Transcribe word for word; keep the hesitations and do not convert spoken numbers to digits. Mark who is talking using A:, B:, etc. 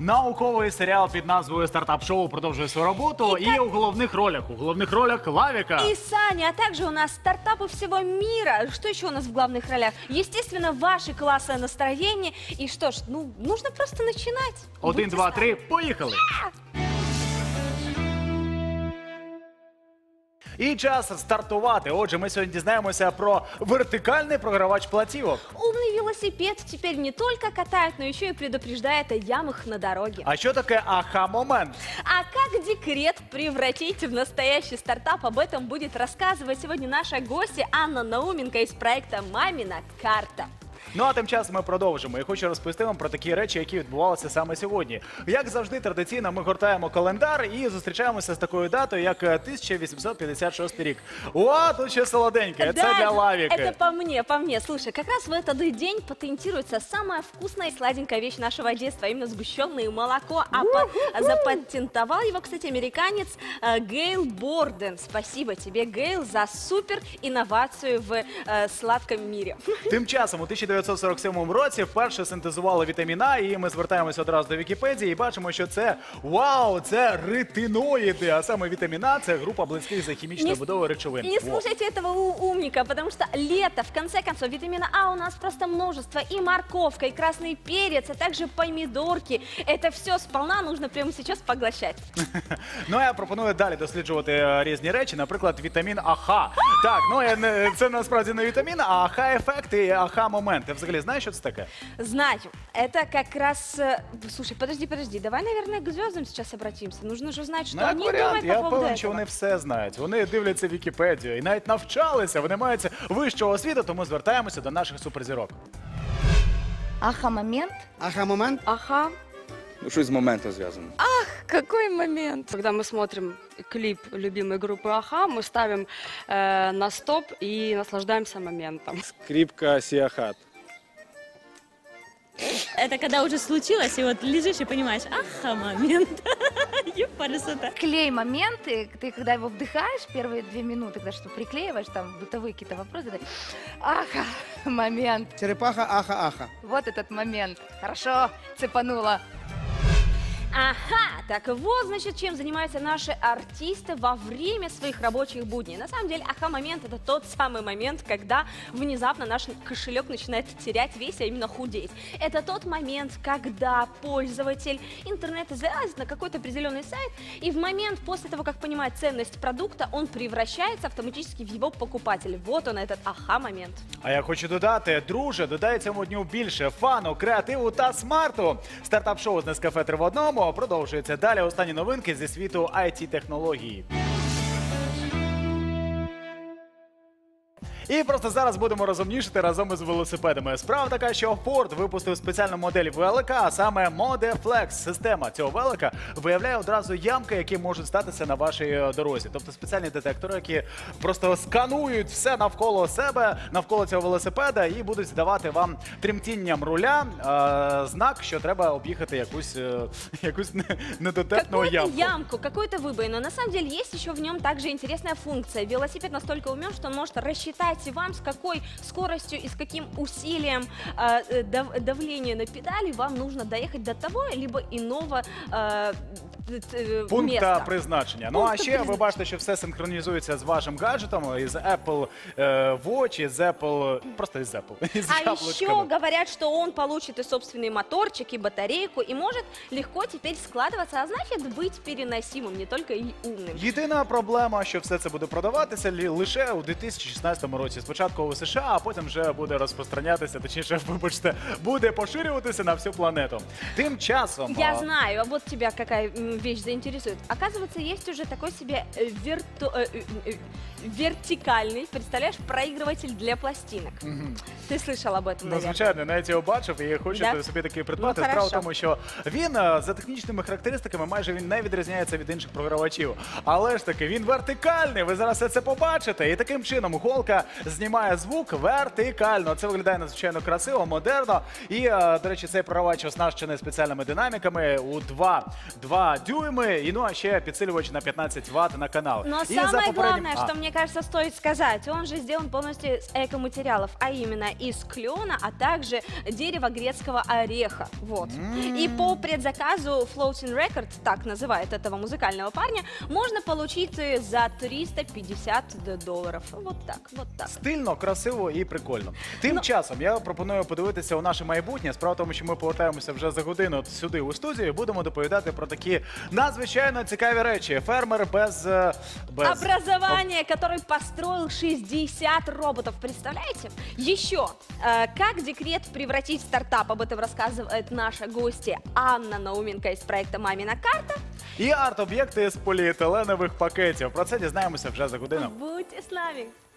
A: Науковий серіал під назвою «Стартап-шоу» продовжує свою роботу. І, і у головних ролях, у головних ролях Лавика.
B: И Саня, а также у нас стартапы всего мира. Что еще у нас в главных ролях? Естественно, ваше классное настроение. И что ж, ну, нужно просто начинать.
A: Один, два, три, поїхали! І час стартувати. Отже, ми сьогодні дізнаємося про вертикальний програвач платівок.
B: Умный велосипед теперь не только катает, но еще и предупреждает о ямах на дороге.
A: А що таке аха-момент?
B: А как декрет превратить в настоящий стартап, об этом будет рассказывать сегодня наша гостья Анна Науменко из проекта «Мамина карта».
A: Ну а тим часом ми продовжимо. І хочу розповісти вам про такі речі, які відбувалися саме сьогодні. Як завжди, традиційно ми гортаємо календар і зустрічаємося з такою датою, як тисяча вісімсот п'ятдесят шостий рік. О, тут ще солоденьке.
B: Да,
A: це для Лавики.
B: Это по мне, по мне. Слушай, как раз в этот день патентируется самая вкусная и сладенькая вещь нашего детства, именно сгущенное молоко. А по- запатентовал его, кстати, американец э, Гейл Борден. Спасибо тебе, Гейл, за супер инновацию в э, сладком мире.
A: Тим часом у тисяча дев'ятсот сорок сьомому році вперше синтезували вітамін А, і ми звертаємося одразу до Вікіпедії і бачимо, що це, вау, це ретиноїди, а саме вітамін А – це група близьких за хімічною
B: Не-
A: будовою речовин.
B: Не
A: Во.
B: слушайте этого у- умника, потому что лето, в конце концов, витамина А у нас просто множество. И морковка, и красный перец, а также помидорки. Это все сполна нужно прямо сейчас поглощать.
A: Ну, а я пропоную далі досліджувати е, різні речі, наприклад, вітамін АХ. Так, ну я не- це насправді не вітамін, а АХ-ефект і АХ-момент. Ти взагалі знаєш, що це таке?
B: Знаю, это как раз... э, Слушай, подожди, подожди, давай, наверное, к звездам сейчас обратимся. Нужно же узнать, что
A: Ну, як
B: они
A: варіант,
B: думают по
A: я
B: поводу
A: певен,
B: этого.
A: що вони все знають. Вони дивляться Вікіпедію і навіть навчалися, вони мають вищого освіту, тому звертаємося до наших суперзірок.
C: Аха-момент?
D: Ага-момент?
B: Ага.
D: Ну, щось з моментом зв'язано.
E: Какой момент? Когда мы смотрим клип любимой группы Аха, мы ставим э, на стоп и наслаждаемся моментом.
F: Скрипка Сиахат.
G: Это когда уже случилось, и вот лежишь и понимаешь, аха, момент. Ёпарасота.
C: Клей моменты, ты когда его вдыхаешь первые две минуты, когда что приклеиваешь, там бытовые какие-то вопросы, ты, аха, момент.
D: Черепаха, аха-аха.
C: Вот этот момент. Хорошо, цепанула.
B: Ага, так вот, значит, чем занимаются наши артисты во время своих рабочих будней. На самом деле, аха-момент – это тот самый момент, когда внезапно наш кошелек начинает терять вес, а именно худеть. Это тот момент, когда пользователь интернета залазит на какой-то определенный сайт, и в момент после того, как понимает ценность продукта, он превращается автоматически в его покупателя. Вот он, этот аха-момент.
A: А я хочу додати, друже, додай цьому дню більше фану, креативу та смарту. Стартап-шоу з Нескафе три в одному продовжується. Далі останні новинки зі світу ай ті-технології. І просто зараз будемо розумнішити разом із велосипедами. Справа така, що Ford випустив спеціальну модель велика, а саме ModeFlex. Система цього велика виявляє одразу ямки, які можуть статися на вашій дорозі. Тобто спеціальні детектори, які просто сканують все навколо себе, навколо цього велосипеда і будуть давати вам тремтінням руля е, знак, що треба об'їхати якусь, е, якусь не- недотепну
B: Какую-то
A: ямку.
B: ямку, какую-то выбоину. На самом деле есть еще в нем также интересная функция. Велосипед настолько умен, что он может рассчитать вам, с какой скоростью и с каким усилием э, э, дав- давления на педали вам нужно доехать до того либо иного э, т- т-
A: Пункта
B: места.
A: призначення. Ну а
B: Пункта
A: ще ви
B: призначення.
A: бачите, що все синхронізується з вашим гаджетом, із Apple е, Watch, із Apple, ну, просто із Apple, із
B: А еще
A: яблучками.
B: говорят, что он получит и собственный моторчик, и батарейку, и может легко теперь складываться, а значит быть переносимым, не только и умным.
A: Єдина проблема, що все це буде продаватися лі- лише у дві тисячі шістнадцятому році. Спочатку у США, а потім вже буде розпространятися, точніше, вибачте, буде поширюватися на всю планету. Тим часом...
B: Я
A: а,
B: знаю, а вот тебя какая м, вещь заинтересует. Оказывается, есть уже такой себе э, вирту- э, э, э, вертикальный, представляешь, проигрыватель для пластинок. Ты слышал об этом,
A: Ну,
B: наверное?
A: звичайно, навіть його бачив і хочу
B: Да?
A: собі такий придбати.
B: Ну,
A: Справа в
B: хорошо.
A: тому, що він е, за технічними характеристиками майже він не відрізняється від інших програвачів. Але ж таки, він вертикальний, ви зараз все це побачите. І таким чином голка знімає звук вертикально. Це виглядає надзвичайно красиво, модерно. І, е, до речі, цей програвач оснащений спеціальними динаміками у два, два дюйми, і ну а ще підсилювач на пятнадцать ватт на канал.
B: Но
A: І за
B: самое
A: попереднім-
B: главное,
A: А.
B: что мне кажется, стоит сказать, он же сделан полностью из экоматериалов, а именно из клена, а также дерева грецкого ореха. Вот. И по предзаказу Floating Records, так называют этого музыкального парня, можно получить э, за триста пятьдесят долларов. Вот так, вот так.
A: Стильно, красиво і прикольно. Тим
B: Ну-
A: часом я пропоную подивитися у наше майбутнє. Справа в тому, що ми повертаємося вже за годину от сюди у студію. і Будемо доповідати про такі надзвичайно цікаві речі. Фермер без, е, без...
B: Образование, который построил шестьдесят роботов. Представляете? Еще, э, как декрет превратить в стартап, об этом рассказывает наша гостья Анна Науменко из проекта «Мамина карта».
A: І арт-об'єкти з поліетиленових пакетів. Про це дізнаємося вже за годину.
B: Будьте с нами.